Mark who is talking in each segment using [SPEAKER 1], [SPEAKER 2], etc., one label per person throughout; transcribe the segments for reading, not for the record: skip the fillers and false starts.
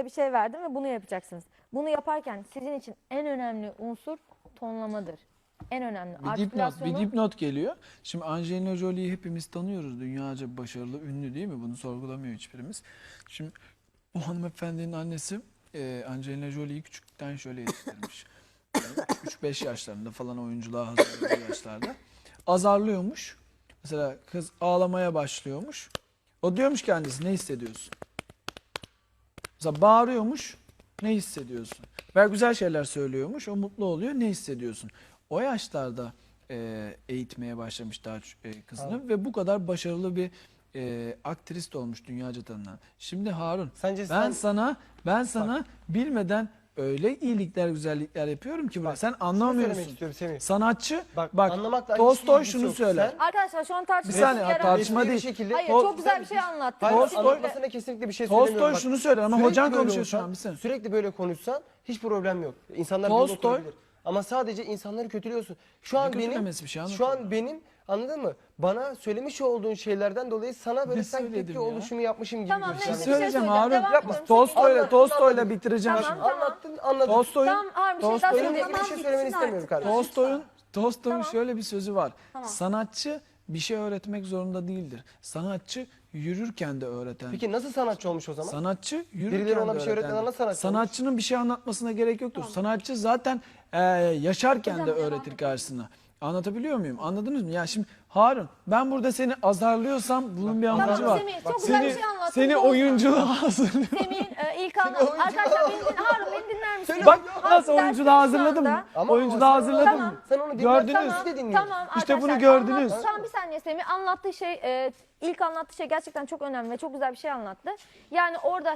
[SPEAKER 1] size bir şey verdim ve bunu yapacaksınız. Bunu yaparken sizin için en önemli unsur tonlamadır. En önemli.
[SPEAKER 2] Bir dipnot geliyor. Şimdi Angelina Jolie'yi hepimiz tanıyoruz. Dünyaca başarılı, ünlü değil mi? Bunu sorgulamıyor hiçbirimiz. Şimdi bu hanımefendinin annesi Angelina Jolie'yi küçükten şöyle yetiştirmiş. 3-5 yaşlarında falan oyunculuğa hazırladığı yaşlarda. Azarlıyormuş. Mesela kız ağlamaya başlıyormuş. O diyormuş ki annesi, ne hissediyorsun? Mesela bağırıyormuş. Ne hissediyorsun? Ve güzel şeyler söylüyormuş. O mutlu oluyor. Ne hissediyorsun? O yaşlarda eğitmeye başlamış daha kızını.
[SPEAKER 3] Abi.
[SPEAKER 2] Ve bu kadar başarılı bir aktrist olmuş, dünyaca tanınan. Şimdi Harun,
[SPEAKER 3] Sence
[SPEAKER 2] ben sana bilmeden öyle iyilikler, güzellikler yapıyorum ki
[SPEAKER 3] Bak,
[SPEAKER 2] sen
[SPEAKER 3] şunu
[SPEAKER 2] anlamıyorsun.
[SPEAKER 3] söylemek istiyorum Semih.
[SPEAKER 2] Sanatçı,
[SPEAKER 3] Bak, anlamakla
[SPEAKER 2] Tolstoy
[SPEAKER 3] ilgisi
[SPEAKER 2] şunu
[SPEAKER 3] yok.
[SPEAKER 2] söyler.
[SPEAKER 1] Arkadaşlar şu an
[SPEAKER 2] Bir
[SPEAKER 1] tartışma
[SPEAKER 2] saniye,
[SPEAKER 1] yaratıyor.
[SPEAKER 2] tartışma
[SPEAKER 3] resmi bir
[SPEAKER 2] değil.
[SPEAKER 3] şekilde-
[SPEAKER 1] Hayır
[SPEAKER 2] Tol-
[SPEAKER 1] çok güzel bir şey anlattı.
[SPEAKER 3] Hayır,
[SPEAKER 1] Kesinlikle.
[SPEAKER 3] anlatmasına kesinlikle bir şey söylemiyorum.
[SPEAKER 2] Tolstoy
[SPEAKER 3] Bak,
[SPEAKER 2] şunu söyler ama
[SPEAKER 3] sürekli
[SPEAKER 2] hocan
[SPEAKER 3] böyle
[SPEAKER 2] konuşuyor şu
[SPEAKER 3] olsan,
[SPEAKER 2] an. Bir saniye.
[SPEAKER 3] Sürekli böyle konuşsan hiç problem yok. İnsanlar
[SPEAKER 2] Tolstoy-
[SPEAKER 3] bunu oturabilir. Ama sadece insanları kötülüyorsun. Şu an
[SPEAKER 2] kötülemesi bir şey
[SPEAKER 3] şu
[SPEAKER 2] anlatıyor.
[SPEAKER 3] an benim, anladın mı? Bana söylemiş olduğun şeylerden dolayı sana böyle
[SPEAKER 2] Ne
[SPEAKER 3] sanki
[SPEAKER 2] söyledim
[SPEAKER 3] tepki
[SPEAKER 2] ya?
[SPEAKER 3] oluşumu yapmışım gibi
[SPEAKER 1] Tamam,
[SPEAKER 3] gösteriyor.
[SPEAKER 1] neyse.
[SPEAKER 2] Söyleyeceğim
[SPEAKER 1] söyleyeceğim.
[SPEAKER 2] Harun.
[SPEAKER 1] Devam
[SPEAKER 2] Yapma.
[SPEAKER 1] ediyorum.
[SPEAKER 2] Tolstoy'la bitireceğim
[SPEAKER 1] Tamam,
[SPEAKER 2] şimdi.
[SPEAKER 1] tamam.
[SPEAKER 3] Anlattın, anladım.
[SPEAKER 2] Tolstoy'un
[SPEAKER 1] Tamam Harun bir şey daha
[SPEAKER 2] Tolstoy'un-
[SPEAKER 3] Benim de
[SPEAKER 1] söyleyeyim.
[SPEAKER 3] bir şey söylemeni istemiyorum kardeşim.
[SPEAKER 2] Tolstoy'un
[SPEAKER 1] Tamam.
[SPEAKER 2] şöyle bir sözü var.
[SPEAKER 1] Tamam.
[SPEAKER 2] Sanatçı bir şey öğretmek zorunda değildir. Sanatçı yürürken de öğreten.
[SPEAKER 3] Peki nasıl sanatçı olmuş o zaman?
[SPEAKER 2] Sanatçı yürürken
[SPEAKER 3] Birileri ona
[SPEAKER 2] de
[SPEAKER 3] bir şey
[SPEAKER 2] öğreten.
[SPEAKER 3] öğretmeden nasıl sanatçı
[SPEAKER 2] Sanatçının bir şey anlatmasına gerek yoktur. Sanatçı zaten yaşarken
[SPEAKER 1] Hocam,
[SPEAKER 2] de
[SPEAKER 1] devam
[SPEAKER 2] öğretir
[SPEAKER 1] edelim.
[SPEAKER 2] karşısına. Anlatabiliyor muyum? Anladınız mı? Ya şimdi Harun, ben burada seni azarlıyorsam bunun bir amacı
[SPEAKER 1] Tamam
[SPEAKER 2] var.
[SPEAKER 1] Semih çok güzel bir şey anlattın.
[SPEAKER 2] Seni
[SPEAKER 1] Bozma.
[SPEAKER 2] oyunculuğa hazırlıyorum.
[SPEAKER 1] Semih'in ilk anlattığı. Arkadaşlar Harun beni dinler misin?
[SPEAKER 2] Bak
[SPEAKER 1] Harun,
[SPEAKER 2] nasıl oyunculuğa hazırladım mı?
[SPEAKER 3] Ama
[SPEAKER 2] Oyunculuğa
[SPEAKER 3] sen-
[SPEAKER 2] hazırladım
[SPEAKER 1] Tamam.
[SPEAKER 2] mı?
[SPEAKER 3] Sen onu
[SPEAKER 2] Gördünüz.
[SPEAKER 3] dinlersen biz de dinliyoruz.
[SPEAKER 1] Tamam
[SPEAKER 2] İşte bunu
[SPEAKER 1] arkadaşlar,
[SPEAKER 2] gördünüz.
[SPEAKER 1] Tamam bir saniye Semih anlattığı şey ilk anlattığı şey gerçekten çok önemli ve çok güzel bir şey anlattı. Yani orada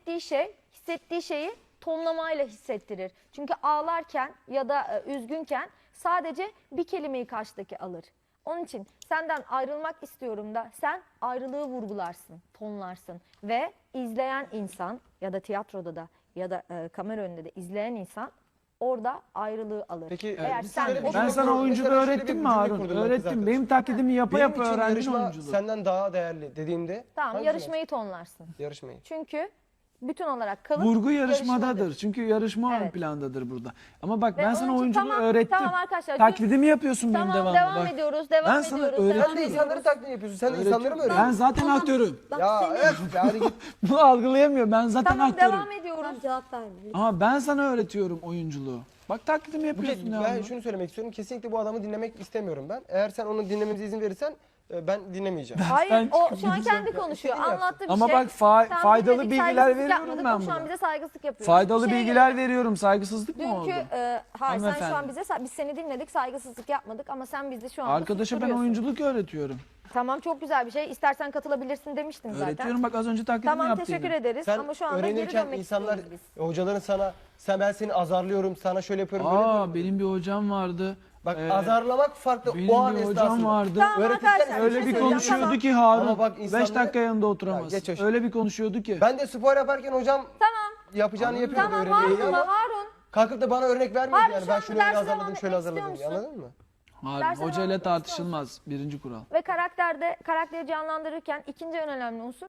[SPEAKER 1] hissettiği şeyi tonlamayla hissettirir. Çünkü ağlarken ya da üzgünken sadece bir kelimeyi karşıdaki alır. Onun için senden ayrılmak istiyorum da sen ayrılığı vurgularsın, tonlarsın ve izleyen insan ya da tiyatroda da ya da kamera önünde de izleyen insan orada ayrılığı alır.
[SPEAKER 3] Peki,
[SPEAKER 1] Eğer
[SPEAKER 3] bir
[SPEAKER 1] sen
[SPEAKER 3] söyle-
[SPEAKER 1] o
[SPEAKER 2] Ben
[SPEAKER 3] Mesela
[SPEAKER 2] sana oyunculuğu
[SPEAKER 3] şöyle bir
[SPEAKER 2] öğrettim mi
[SPEAKER 3] cümle
[SPEAKER 2] Harun?
[SPEAKER 3] kurdum ben kız
[SPEAKER 2] Öğrettim.
[SPEAKER 3] arkadaşım.
[SPEAKER 2] Benim taklidimi yapa
[SPEAKER 3] Benim
[SPEAKER 2] yapa
[SPEAKER 3] için
[SPEAKER 2] öğrendin
[SPEAKER 3] yarışma
[SPEAKER 2] oyunculuğu.
[SPEAKER 3] senden daha değerli dediğimde
[SPEAKER 1] tamam
[SPEAKER 3] hangi
[SPEAKER 1] yarışmayı tonlarsın.
[SPEAKER 3] yarışmayı.
[SPEAKER 1] Çünkü bütün olarak kalıp
[SPEAKER 2] Vurgu yarışmadadır.
[SPEAKER 1] yarışmadır.
[SPEAKER 2] Çünkü yarışma ön
[SPEAKER 1] Evet.
[SPEAKER 2] plandadır burada. Ama bak
[SPEAKER 1] Ve
[SPEAKER 2] ben
[SPEAKER 1] onun
[SPEAKER 2] sana
[SPEAKER 1] için
[SPEAKER 2] oyunculuğu
[SPEAKER 1] tamam,
[SPEAKER 2] öğrettim.
[SPEAKER 1] tamam arkadaşlar,
[SPEAKER 2] Taklidimi yapıyorsun benim
[SPEAKER 1] Tamam
[SPEAKER 2] devamlı.
[SPEAKER 1] devam
[SPEAKER 2] Bak.
[SPEAKER 1] ediyoruz, devam
[SPEAKER 2] Ben sana
[SPEAKER 1] ediyoruz.
[SPEAKER 2] öğretiyorum.
[SPEAKER 3] Sen de insanları taklit yapıyorsun. Sen de insanları mı
[SPEAKER 2] Ben
[SPEAKER 3] öğreniyorsun?
[SPEAKER 2] zaten aktörüm.
[SPEAKER 3] Ya evet yani git.
[SPEAKER 2] Bunu algılayamıyor. Ben zaten
[SPEAKER 1] Tamam
[SPEAKER 2] aktörüm.
[SPEAKER 1] devam ediyoruz.
[SPEAKER 4] Cevap vermiyor.
[SPEAKER 2] Ama ben sana öğretiyorum oyunculuğu. Bak taklidimi yapıyorsun
[SPEAKER 3] Ben
[SPEAKER 2] devamlı.
[SPEAKER 3] şunu söylemek istiyorum. Kesinlikle bu adamı dinlemek istemiyorum ben. Eğer sen onu dinlememize izin verirsen ben dinlemeyeceğim.
[SPEAKER 1] Hayır
[SPEAKER 2] Ben
[SPEAKER 1] o
[SPEAKER 2] çıkıp
[SPEAKER 1] şu an
[SPEAKER 2] gideceğim.
[SPEAKER 1] kendi konuşuyor.
[SPEAKER 3] İstediğini
[SPEAKER 1] Anlattığı bir
[SPEAKER 2] Ama
[SPEAKER 1] şey.
[SPEAKER 2] bak
[SPEAKER 1] Tamam,
[SPEAKER 2] faydalı
[SPEAKER 1] dinledik,
[SPEAKER 2] bilgiler
[SPEAKER 1] saygısızlık
[SPEAKER 2] veriyorum
[SPEAKER 1] yapmadık.
[SPEAKER 2] ben
[SPEAKER 1] O şu an
[SPEAKER 2] burada.
[SPEAKER 1] bize saygısızlık yapıyor.
[SPEAKER 2] Faydalı
[SPEAKER 1] Bir şeye
[SPEAKER 2] bilgiler veriyorum. Saygısızlık mı oldu?
[SPEAKER 1] Dünkü hayır sen şu an
[SPEAKER 2] Hanımefendi.
[SPEAKER 1] biz seni dinledik saygısızlık yapmadık ama sen bizi şu an
[SPEAKER 2] Arkadaşa ben oyunculuk öğretiyorum.
[SPEAKER 1] Tamam çok güzel bir şey. İstersen katılabilirsin demiştin zaten.
[SPEAKER 2] Öğretiyorum bak az önce taklidimi
[SPEAKER 1] Tamam
[SPEAKER 2] yaptım.
[SPEAKER 1] teşekkür ederiz
[SPEAKER 3] Sen
[SPEAKER 1] ama şu anda geri
[SPEAKER 3] öğrenirken
[SPEAKER 1] dönmek
[SPEAKER 3] insanlar,
[SPEAKER 1] istiyoruz biz.
[SPEAKER 3] hocaların sana, ben seni azarlıyorum, sana şöyle yapıyorum, böyle yapıyorum.
[SPEAKER 2] Benim bir hocam vardı.
[SPEAKER 3] Bak azarlamak farklı
[SPEAKER 2] Benim
[SPEAKER 3] o an
[SPEAKER 2] bir hocam
[SPEAKER 3] esnasında.
[SPEAKER 2] vardı.
[SPEAKER 1] Tamam
[SPEAKER 3] Öğretirken
[SPEAKER 1] arkadaşlar
[SPEAKER 2] Öyle
[SPEAKER 1] şey
[SPEAKER 2] bir
[SPEAKER 1] söyleyeceğim.
[SPEAKER 2] konuşuyordu
[SPEAKER 1] Tamam.
[SPEAKER 2] ki Harun.
[SPEAKER 3] Ama bak
[SPEAKER 2] 5
[SPEAKER 3] insanları-
[SPEAKER 2] dakika yanında oturamaz.
[SPEAKER 3] Ya geç hoş.
[SPEAKER 2] Öyle bir konuşuyordu ki.
[SPEAKER 3] Ben de spor yaparken hocam yapacağını yapıyordu
[SPEAKER 1] Tamam
[SPEAKER 3] öğrenmeyi
[SPEAKER 1] Harun
[SPEAKER 3] ama
[SPEAKER 1] Harun.
[SPEAKER 3] kalkıp da bana örnek vermiyordu
[SPEAKER 1] Harun,
[SPEAKER 3] yani.
[SPEAKER 1] şu
[SPEAKER 3] Ben
[SPEAKER 1] an
[SPEAKER 3] şunu öyle
[SPEAKER 1] derse
[SPEAKER 3] hazırladım,
[SPEAKER 1] devam
[SPEAKER 3] şöyle
[SPEAKER 1] etmek
[SPEAKER 3] hazırladım diye,
[SPEAKER 1] istiyor
[SPEAKER 3] anladın mı?
[SPEAKER 2] Harun
[SPEAKER 1] Derse
[SPEAKER 2] hocayla
[SPEAKER 1] devam etmek
[SPEAKER 2] tartışılmaz. Birinci kural.
[SPEAKER 1] Ve karakteri canlandırırken ikinci en önemli unsur